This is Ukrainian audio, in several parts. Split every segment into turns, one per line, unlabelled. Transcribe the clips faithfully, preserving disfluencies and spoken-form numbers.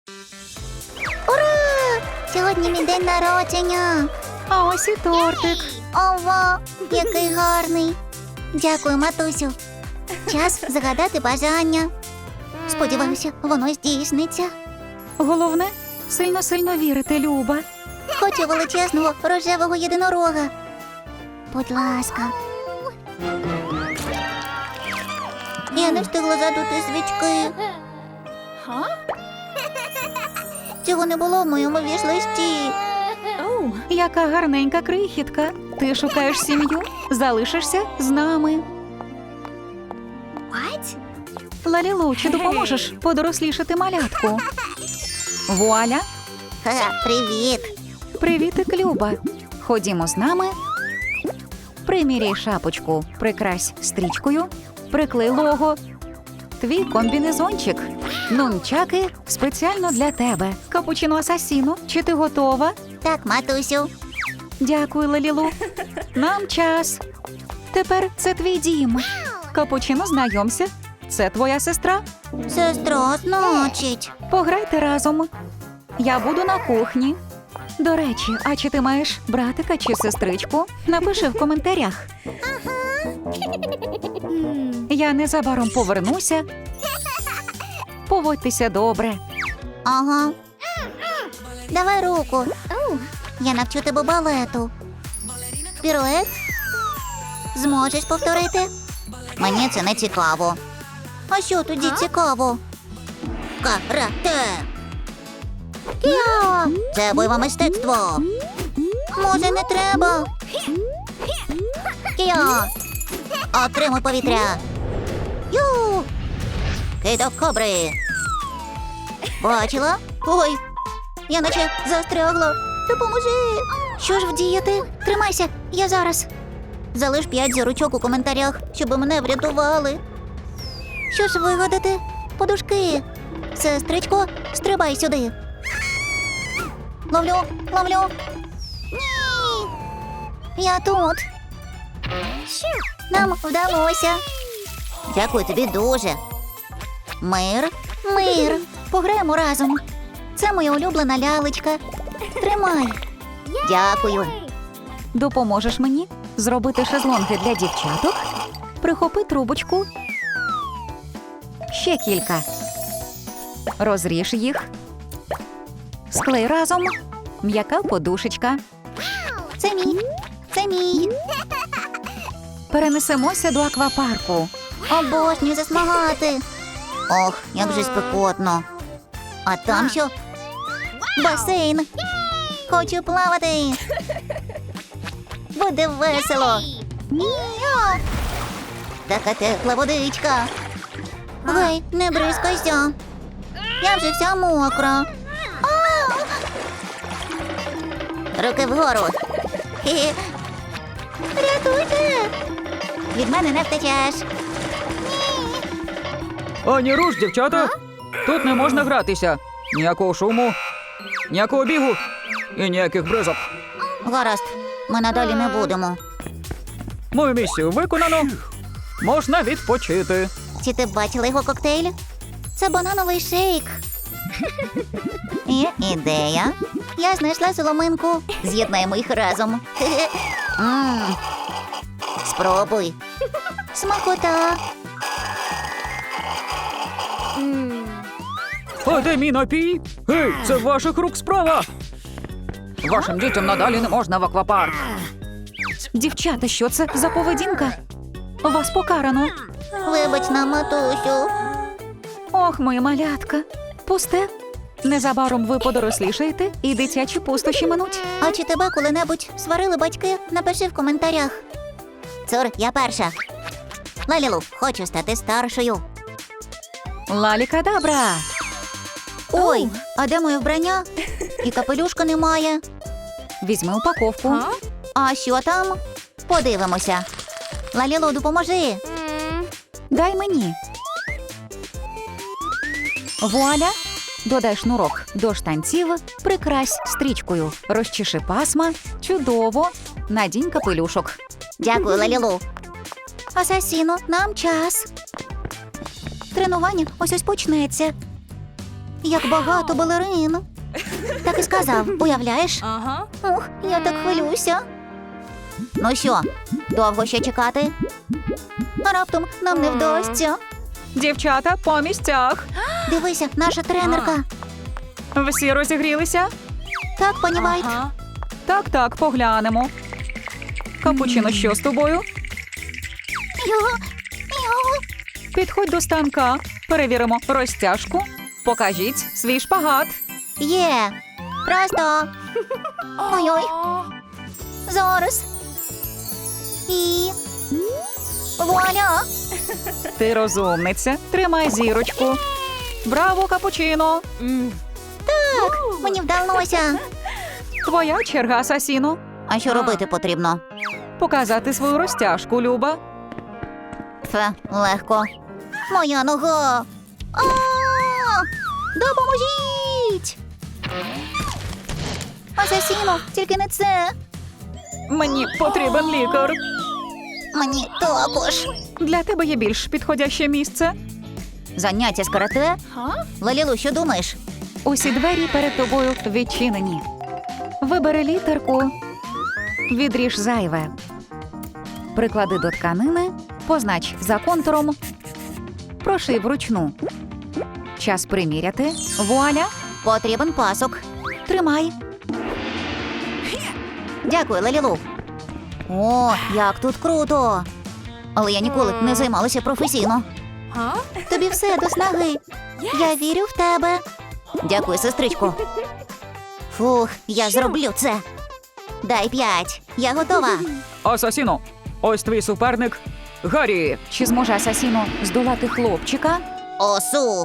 Ура! Сьогодні мій день народження.
А ось і тортик.
Ова, який гарний. Дякую, матусю. Час загадати бажання. Сподіваюся, воно здійсниться.
Головне, сильно-сильно вірити, Люба.
Хочу величезного рожевого єдинорога. Будь ласка. Я не встигла задути свічки. Цього не було в моєму віш-листі.
Яка гарненька крихітка. Ти шукаєш сім'ю? Залишишся з нами. Лалілу, чи допоможеш подорослішати малятку? Вуаля!
Ха, привіт.
Привітик, Люба. Ходімо з нами. Приміряй шапочку, прикрась стрічкою, приклей лого. Твій комбінезончик. Нунчаки спеціально для тебе. Капучино асасіно, чи ти готова?
Так, матусю.
Дякую, Лалілу. Нам час. Тепер це твій дім. Капучино, знайомся. Це твоя сестра.
Сестра, значить.
Пограйте разом. Я буду на кухні. До речі, а чи ти маєш братика чи сестричку? Напиши в коментарях. Я незабаром повернуся. Поводьтеся добре.
Ага. Давай руку. Я навчу тебе балету. Пірует? Зможеш повторити? Мені це не цікаво. А що тоді цікаво? Карате. Кіо! Це бойове мистецтво. Може, не треба? Кіо! Отримуй повітря. Ю! Кидок кобри. Бачила? Ой, я наче застрягла. Допоможи. Що ж вдіяти? Тримайся, я зараз. Залиш п'ять зірочок у коментарях, щоб мене врятували. Що ж вигадати? Подушки. Сестричко, стрибай сюди. Ловлю, ловлю. Ні. Я тут. Нам вдалося. Дякую тобі дуже. Мир, мир. Пограємо разом. Це моя улюблена лялечка. Тримай. Дякую.
Допоможеш мені зробити шезлонги для дівчаток? Прихопи трубочку. Ще кілька. Розріж їх. Склей разом. М'яка подушечка.
Це мій. Це мій.
Перенесемося до аквапарку.
Обожнюю засмагати. Ох, як же спекотно. А там що? Басейн. Хочу плавати. Буде весело. Іо! Така тепла водичка. Гей, не бризкайся. Я вже вся мокра. А! Руки вгору. Хі-хі. Рятуйте. Від мене не втечеш.
Ані руш, дівчата! Тут не можна гратися. Ніякого шуму, ніякого бігу і ніяких бризок.
Гаразд, ми надалі не будемо.
Мою місію виконано. Можна відпочити.
Чи ти бачила його коктейль? Це банановий шейк. Є ідея. Я знайшла соломинку. З'єднаємо їх разом. Мм. Спробуй. Смакота.
А де мій напій? Гей, це ваших рук справа. Вашим дітям надалі не можна в аквапарк.
Дівчата, що це за поведінка? Вас покарано.
Вибач нам, матусю.
Ох, моя малятка. Пусте. Незабаром ви подорослішаєте і дитячі пустощі минуть.
А чи тебе коли-небудь сварили батьки? Напиши в коментарях. Цур, я перша. Лалілу, хочу стати старшою.
Лалікадабра.
Ой, а де моє вбрання? І капелюшка немає.
Візьми упаковку.
А що там? Подивимося. Лалілу, допоможи.
Дай мені. Вуаля. Додай шнурок до штанців, прикрась стрічкою, розчеши пасма, чудово, надінь капелюшок.
Дякую, Лалілу. Асасіно, нам час. Тренування ось-ось почнеться. Як багато балерин. Так і сказав, уявляєш?
Ага.
Ух, я так хвилююся. Ну що, довго ще чекати? А раптом нам не вдасться.
Дівчата по місцях.
Дивися, наша тренерка.
Всі розігрілися?
Так, пані Вайт.
Ага.
Так, так, поглянемо. Капучино, що з тобою?
Його, його.
Підходь до станка. Перевіримо розтяжку. Покажіть свій шпагат.
Є. Просто. Ой-ой. Зараз. І... Вуаля!
Ти розумниця. Тримай зірочку. Браво, капучино!
М.
Так, мені вдалося.
Твоя черга, Асасіно.
А що робити потрібно?
Показати свою розтяжку, Люба.
Фе, легко. Моя нога. А! Допоможіть! Асасіно, тільки не це.
Мені потрібен лікар.
Мені також.
Для тебе є більш підходяще місце.
Заняття з карате?
Га?
Лалілу, що думаєш?
Усі двері перед тобою відчинені. Вибери літерку. Відріж зайве. Приклади до тканини. Познач за контуром. Прошив вручну. Час приміряти. Вуаля.
Потрібен пасок.
Тримай.
Дякую, Лалілу. О, як тут круто. Але я ніколи не займалася професійно.
Га?
Тобі все до снаги. Я вірю в тебе. Дякую, сестричко. Фух, я зроблю це. Дай п'ять. Я готова.
Асасіно, ось твій суперник Гаррі.
Чи зможе Асасіно здолати хлопчика?
Осу.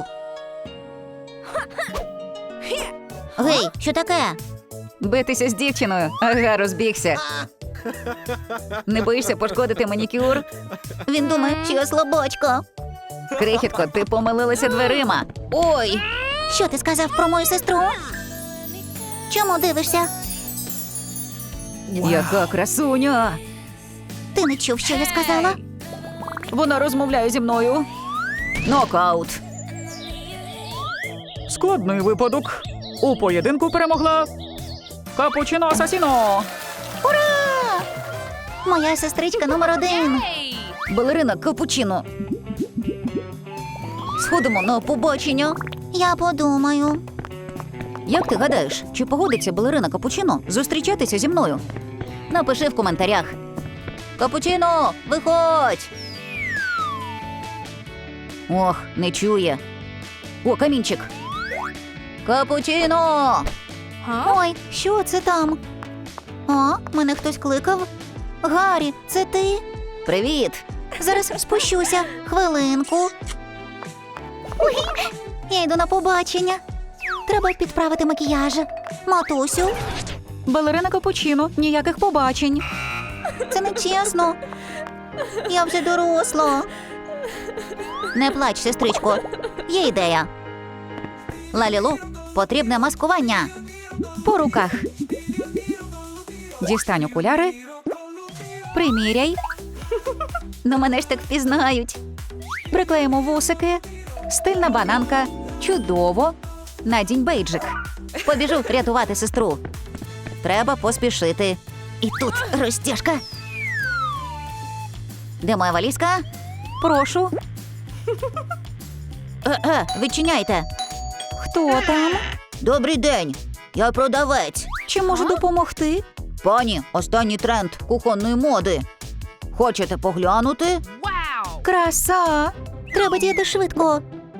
Гей, що таке?
Битися з дівчиною. Ага, розбігся. Не боїшся пошкодити манікюр?
Він думає, що я слабочко.
Крихітко, ти помилилася дверима.
Ой, що ти сказав про мою сестру? Чому дивишся?
Яка красуня!
Ти не чув, що я сказала?
Вона розмовляє зі мною. Нокаут.
Складний випадок. У поєдинку перемогла Капучино Асасіно.
Ура! Моя сестричка номер один.
Ей!
Балерина Капучино. Сходимо на побачення.
Я подумаю.
Як ти гадаєш, чи погодиться балерина Капучино зустрічатися зі мною? Напиши в коментарях. Капучино, виходь! Ох, не чує. О, камінчик. Капучино!
Га?
Ой, що це там? А, мене хтось кликав? Гаррі, це ти?
Привіт!
Зараз спущуся. Хвилинку. Ой, я йду на побачення. Треба підправити макіяж. Матусю,
Балерина Капучино, ніяких побачень.
це не чесно. Я вже доросла. Не плач, сестричко. Є ідея. Лалілу, потрібне маскування.
По руках. Дістань окуляри. Приміряй.
Ну мене ж так впізнають.
Приклеїмо вусики. Стильна бананка. Чудово. Надінь бейджик.
Побіжу рятувати сестру. Треба поспішити. І тут розтяжка. Де моя валізка?
Прошу.
Е-е, відчиняйте.
Хто там?
Добрий день. Я продавець.
Чи можу допомогти?
Пані, останній тренд кухонної моди. Хочете поглянути?
Вау!
Краса!
Треба діяти швидко.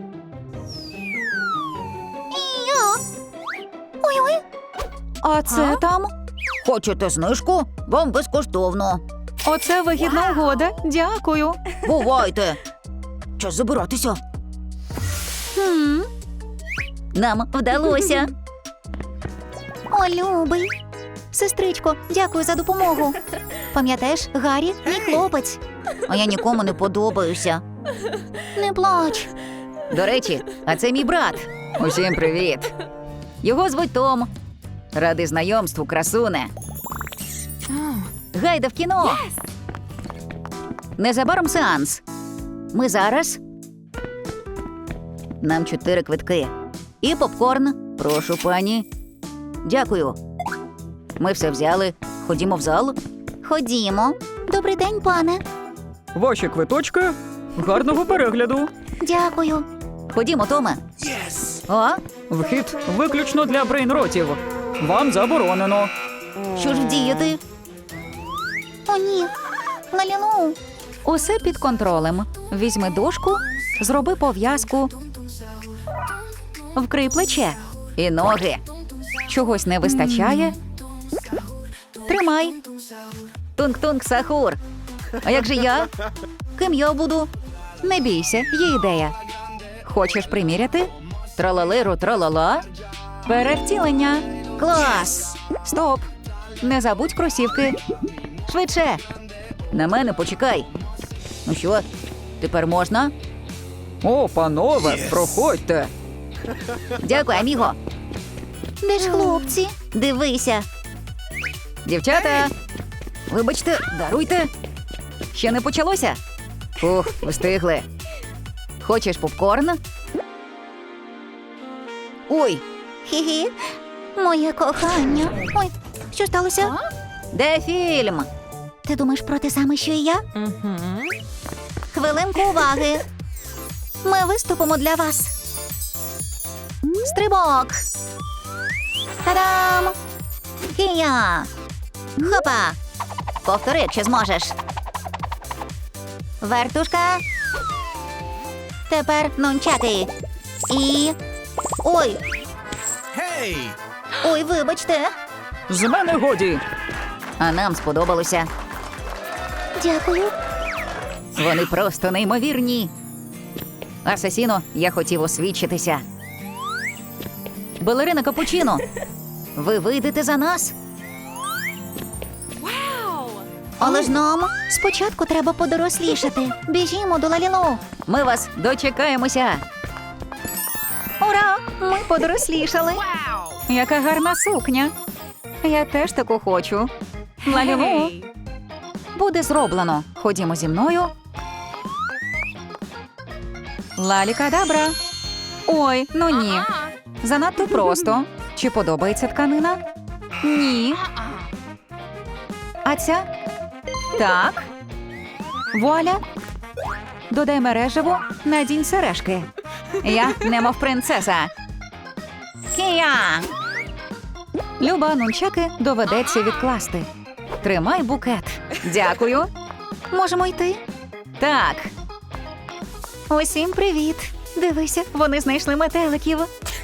Ой-ой.
А це
А?
там?
Хочете знижку? Вам безкоштовно.
Оце вигідна угода. Дякую.
Бувайте. Час забиратися.
Хм.
Нам вдалося. О, любий. Сестричко, дякую за допомогу. Пам'ятаєш, Гаррі – мій хлопець. А я нікому не подобаюся. Не плач.
До речі, а це мій брат. Усім привіт. Його звуть Том. Радий знайомству, красуне. Гайда в кіно. Незабаром сеанс. Ми зараз. Нам чотири квитки.
І попкорн. Прошу, пані. Дякую. Ми все взяли. Ходімо в зал. Ходімо. Добрий день, пане.
Ваші квиточки. Гарного перегляду.
Дякую. Ходімо, Томе. О,
Вхід виключно для брейнротів. Вам заборонено.
що ж вдіяти? О, ні. Лалілу.
Усе під контролем. Візьми дошку, зроби пов'язку. Вкрий плече.
І ноги.
Чогось не вистачає.
Тримай. Тунк-тунк, сахур. А як же я? Ким я буду?
Не бійся, є ідея. Хочеш приміряти?
Тралалеру, тралала.
Перевтілення.
Клас!
Стоп. Не забудь кросівки.
Швидше. На мене почекай. Ну що, тепер можна?
О, панове, проходьте.
Дякую, аміго. Де ж хлопці? Дивися. Дівчата, вибачте, даруйте. Ще не почалося? Ух, встигли. Хочеш попкорн? Ой. Хі-хі. Моє кохання. Ой, що сталося? Де фільм? Ти думаєш про те саме, що і я? Хвилинку уваги. Ми виступимо для вас. Стрибок. Та-дам! Хія! Хопа! Повтори, якщо зможеш. Вертушка. Тепер нунчаки. І... Ой! Ой, вибачте.
З мене годі.
А нам сподобалося. Дякую. Вони просто неймовірні. Асасіно, я хотів освідчитися. Балерина Капучино, ви вийдете за нас? Але ж нам спочатку треба подорослішати. Біжімо до Лалілу. Ми вас дочекаємося.
Ура! Ми подорослішали.
Wow.
Яка гарна сукня. Я теж таку хочу. Лалілу.
Hey.
Буде зроблено. Ходімо зі мною. Лалікадабра. Ой, ну ні.
Uh-uh.
Занадто просто. Чи подобається тканина? Ні.
Uh-uh.
А ця? Так. Вуаля. Додай мережево, надінь сережки. Я немов принцеса.
Кія!
Люба, нунчаки доведеться відкласти. Тримай букет. Дякую. Можемо йти?
Так.
Усім привіт. Дивися, вони знайшли метеликів.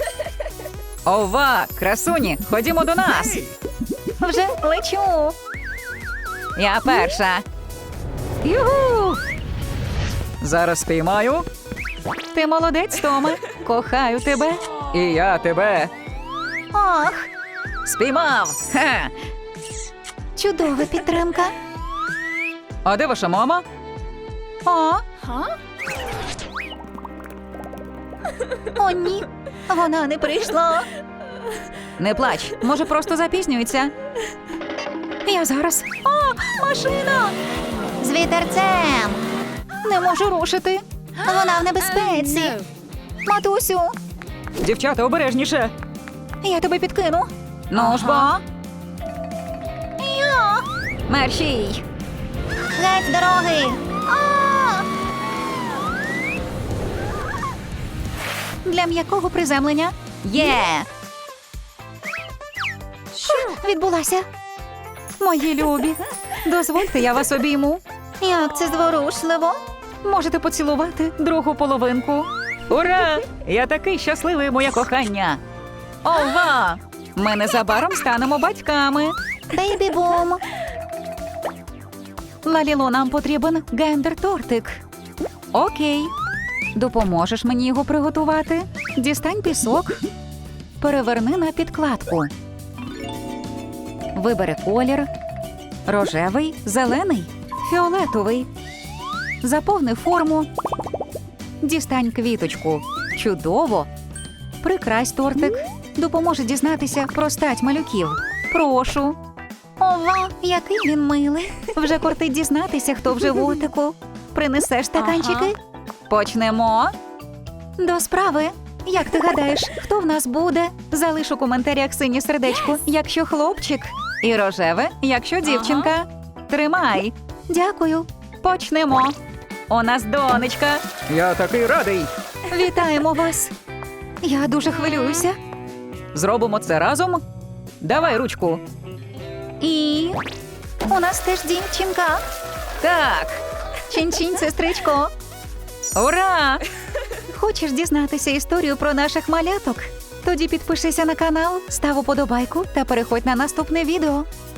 Ова, красуні, ходімо до нас.
Вже лечу.
Я перша.
Югу!
Зараз спіймаю.
Ти молодець, Томе. Кохаю тебе.
І я тебе.
Ох, спіймав. Ха.
Чудова підтримка.
А де ваша мама?
О,
Huh?
о, ні. Вона не прийшла.
Не плач.
Може, просто запізнюється. Я зараз. О, машина!
З вітерцем.
Не можу рушити.
Вона в небезпеці.
No.
Матусю,
Дівчата, обережніше.
я тебе підкину.
Ну ж бо.
Ага.
Я.
Мерщій. Геть з дороги.
А! Для м'якого приземлення
Є.
відбулася. Мої любі, дозвольте, я вас обійму.
Як це зворушливо.
Можете поцілувати другу половинку.
Ура! Я такий щасливий, моє кохання.
Ова! Ми незабаром станемо батьками.
Бейбі-бум.
Лаліло, нам потрібен гендер-тортик. Окей. Допоможеш мені його приготувати? Дістань пісок. Переверни на підкладку. Вибери колір. Рожевий, зелений, фіолетовий. Заповни форму. Дістань квіточку. Чудово. Прикрась тортик. Допоможе дізнатися про стать малюків. Прошу. Ова, який він милий. Вже кортить дізнатися, хто в животику. Принесеш стаканчики? Почнемо. До справи. Як ти гадаєш, хто в нас буде? Залиш у коментарях синє сердечко, якщо хлопчик, і рожеве, якщо дівчинка. Тримай.
Дякую.
Почнемо. У нас донечка.
Я такий радий.
Вітаємо вас. Я дуже хвилююся.
Зробимо це разом. Давай ручку.
І у нас теж дівчинка.
Так.
Чин-чин, сестричко.
Ура!
Хочеш дізнатися історію про наших маляток?
Тоді підпишися на канал, став уподобайку та переходь на наступне відео.